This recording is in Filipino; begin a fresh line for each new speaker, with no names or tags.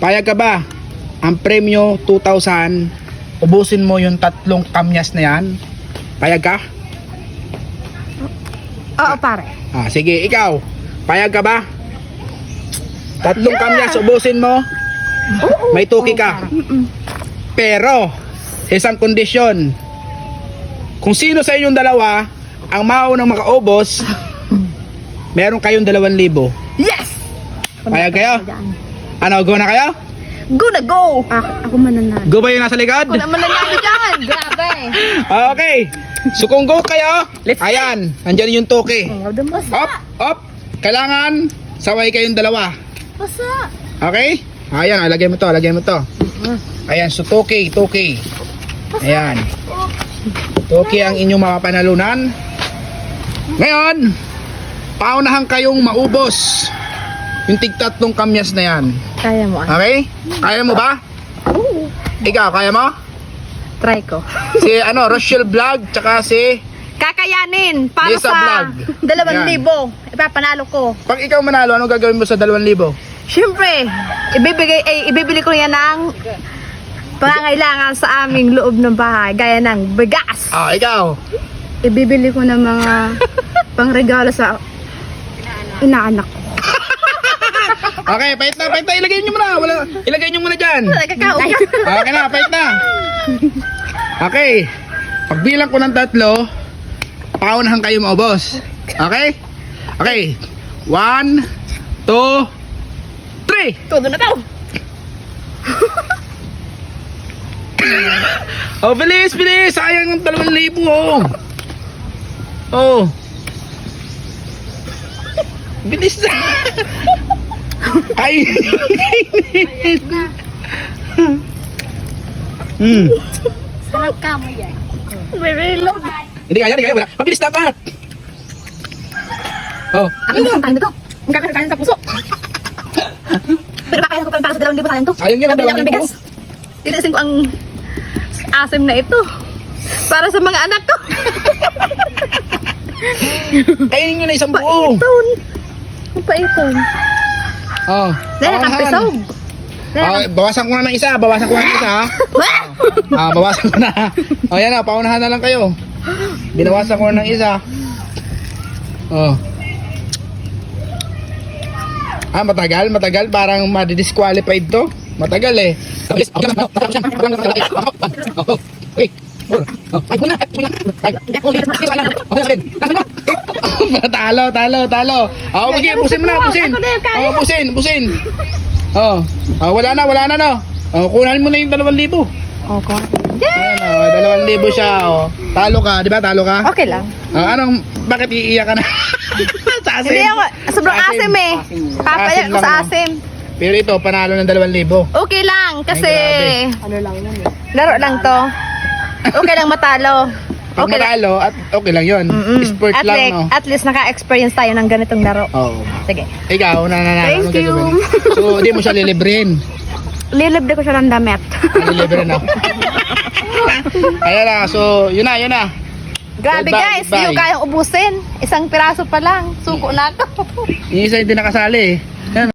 Payag ka ba? Ang premyo 2,000. Ubusin mo yung 3 kamyas na yan. Payag ka?
Oo, pare.
Sige, ikaw. Payag ka ba? 3 kamyas, ubusin mo. May tuki ka. Pero, isang kondisyon. Kung sino sa inyong dalawa ang maunang makaubos, meron kayong 2,000.
Yes!
Payag kayo? Ano, go na kayo?
Go na go! Ako mananalo.
Go ba yung nasa likod?
Ako na mananalo dyan! Grabe!
Okay. So kung go kayo, ayan, andyan yung tuki. Up, up. Kailangan saway kayong dalawa.
Basa!
Okay? Ayan, lagay mo to, lagay mo to. Ayan, so tuki. Ayan. Tuki ang inyong mapapanalunan. Ngayon, paunahan kayong maubos yung tig-3 kamyas na yan.
Kaya mo
Okay? Kaya mo ba? Ikaw, kaya mo?
Try ko.
Si Rochelle Vlog, tsaka si...
Kakayanin! Para
Lisa
sa
Vlog.
2,000. Ipapanalo ko.
Pag ikaw manalo, ano gagawin mo sa 2,000?
Siyempre, ibibili ko yan ng pangangailangan sa aming loob ng bahay. Gaya ng bigas.
Ikaw.
Ibibili ko ng mga pangregalo sa inaanak ko.
Okay, pahit na. Ilagay nyo muna. Ilagay nyo muna dyan. Okay na, pahit na. Okay. Pagbilang ko ng 3, paunahan kayo maubos. Okay? Okay. 1, 2, 3.
Todo na to.
Bilis. Sayang ng 2,000. Bilis na. Ay.
Sarap ka mo yan. Very low.
Hindi kaya. Wala. Mabilis dapat.
Akin na ang kain na to. Ang kakakain sa puso. Pero kakain ko pa para sa 2,000 sa akin to.
Sayang yun ang
Nabili ako ng
2,000.
bigas. Tinasin ko ang asim na ito. Para sa mga anak ko.
Kainin nyo na isang buo.
Paiton. Ang paiton. Dahil nakapisog.
Bawasan ko na ng isa. Bawasan ko na. Yan na, paunahan na lang kayo. Binawasan ko na ng isa. Matagal. Parang ma-disqualified to. Matagal eh. Talo. Pusin mo na. Pusin. Wala na no. Kunan mo na yung 2,000.
Okay.
Ayan 2,000 siya. Talo ka, di ba? Talo ka?
Okay lang.
Bakit iiyak ka na? Sa asim?
Hindi ako, sobrang asim eh. Papayak ko sa asim.
Pero ito, panalo ng 2,000.
Okay lang, kasi
Ay,
laro lang to. Okay lang matalo.
Pag
Okay lang.
matalo, at okay lang yun. Sport
At,
lang,
like,
no?
at least naka-experience tayo ng ganitong laro.
Oo.
Sige.
Ikaw, nananalo.
Thank you.
So, di mo siya lilibrin.
Lilibre ko siya ng damit.
Lilibrin na. Ayan na, so, yun na.
Grabe
Goodbye,
guys, hindi ko
goodbye.
kayang ubusin. Isang piraso pa lang. Suko na ako.
Yung isa hindi nakasali eh.